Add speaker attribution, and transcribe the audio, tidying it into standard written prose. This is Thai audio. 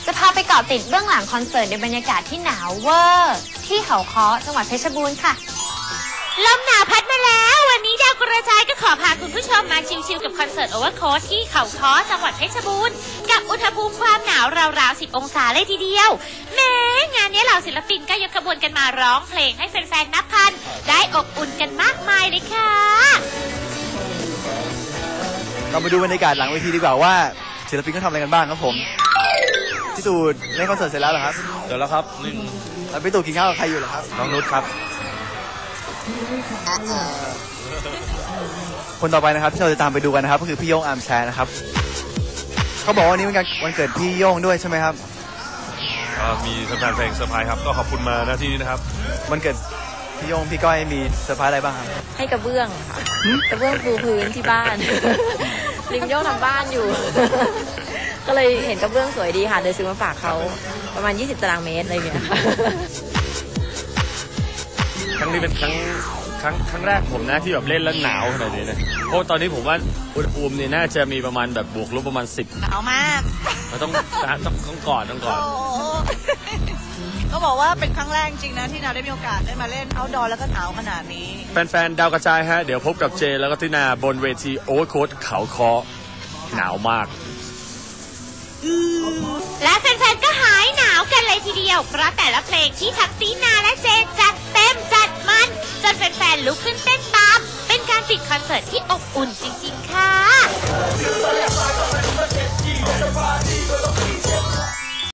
Speaker 1: จะพาไปเกาะติดเบื้องหลังคอนเสิร์ตในบรรยากาศที่หนาวเวอร์ที่เขาค้อจังหวัดเพชรบูรณ์ค่ะลมหนาวพัดมาแล้ววันนี้ดาวกระจายก็ขอพาคุณผู้ชมมาชิลๆกับคอนเสิร์ตโอเวอร์โค้ชที่เขาค้อจังหวัดเพชรบูรณ์กับอุณหภูมิความหนาวราวๆ10 องศาเลยทีเดียวแม้งานนี้เหล่าศิลปินก็ยกขบวนกันมาร้องเพลงให้แฟนๆนับพันได้อบอุ่นกันมากมายเลยค่ะ
Speaker 2: เรามาดูบรรยากาศหลังเวทีดีกว่าว่าศิลปินเขาทำอะไรกันบ้างครับผมพี่ตู่เล่นคอนเสิร์ตเสร็จแล้วเหรอครับ
Speaker 3: เดี๋ยวแล้วครับ
Speaker 2: แล้วพี่ตู่กินข้าวกับใครอยู่เหรอครับ
Speaker 3: น้องนุชครับ
Speaker 2: คนต่อไปนะครับที่เราจะตามไปดูกันนะครับก็คือพี่โย่งอาร์มแชร์นะครับเขาบอกว่าวันนี้วันเกิดพี่โย่งด้วยใช่ไหมครับ
Speaker 3: มีแฟนเพลงเซอร์ไพรส์ครับก็ขอบคุณมาหน้าที่นี้นะครับ
Speaker 2: วันเกิดพี่โย่งพี่ก้อยมีเซอร์ไพรส์อะไรบ้างครับ
Speaker 4: ให้กระเบื้องค่ะกระเบื้องปูพื้นที่บ้านลิมโย่งทำบ้านอยู่ก็เลยเห็นกระเบื้องสวยดีค่ะเลยซื้อมาฝากเขาประมาณ20 ตารางเมตรอะไรอย่างเงี้ย
Speaker 3: ครั้งนี้เป็นครั้งแรกผมนะที่แบบเล่นแล้วหนาวขนาดนี้นะเพราะตอนนี้ผมว่าอุณหภูมิเนี่ยน่าจะมีประมาณแบบบวกลบประมาณ10
Speaker 5: หนาวมาก
Speaker 3: ต้องก่อน
Speaker 5: ก็บอกว่าเป็นครั้งแรกจริงนะที่เราได้มีโอกาสได้มาเล่นเอาท์ดอร์แล้วก็หนาวขนาดนี้
Speaker 3: แฟนๆดาวกระจายฮะเดี๋ยวพบกับเจแล้วก็ตินาบนเวทีโอเวอร์โค้ชเขาค้อหนาวมาก
Speaker 1: และแฟนๆก็หายหนาวกันเลยทีเดียวเพราะแต่ละเพลงที่ทั้งตินาและเจจัดเต็มจัดมันจนแฟนๆลุกขึ้นเต้นตามเป็นการปิดคอนเสิร์ตที่อบอุ่นจริงๆค่ะ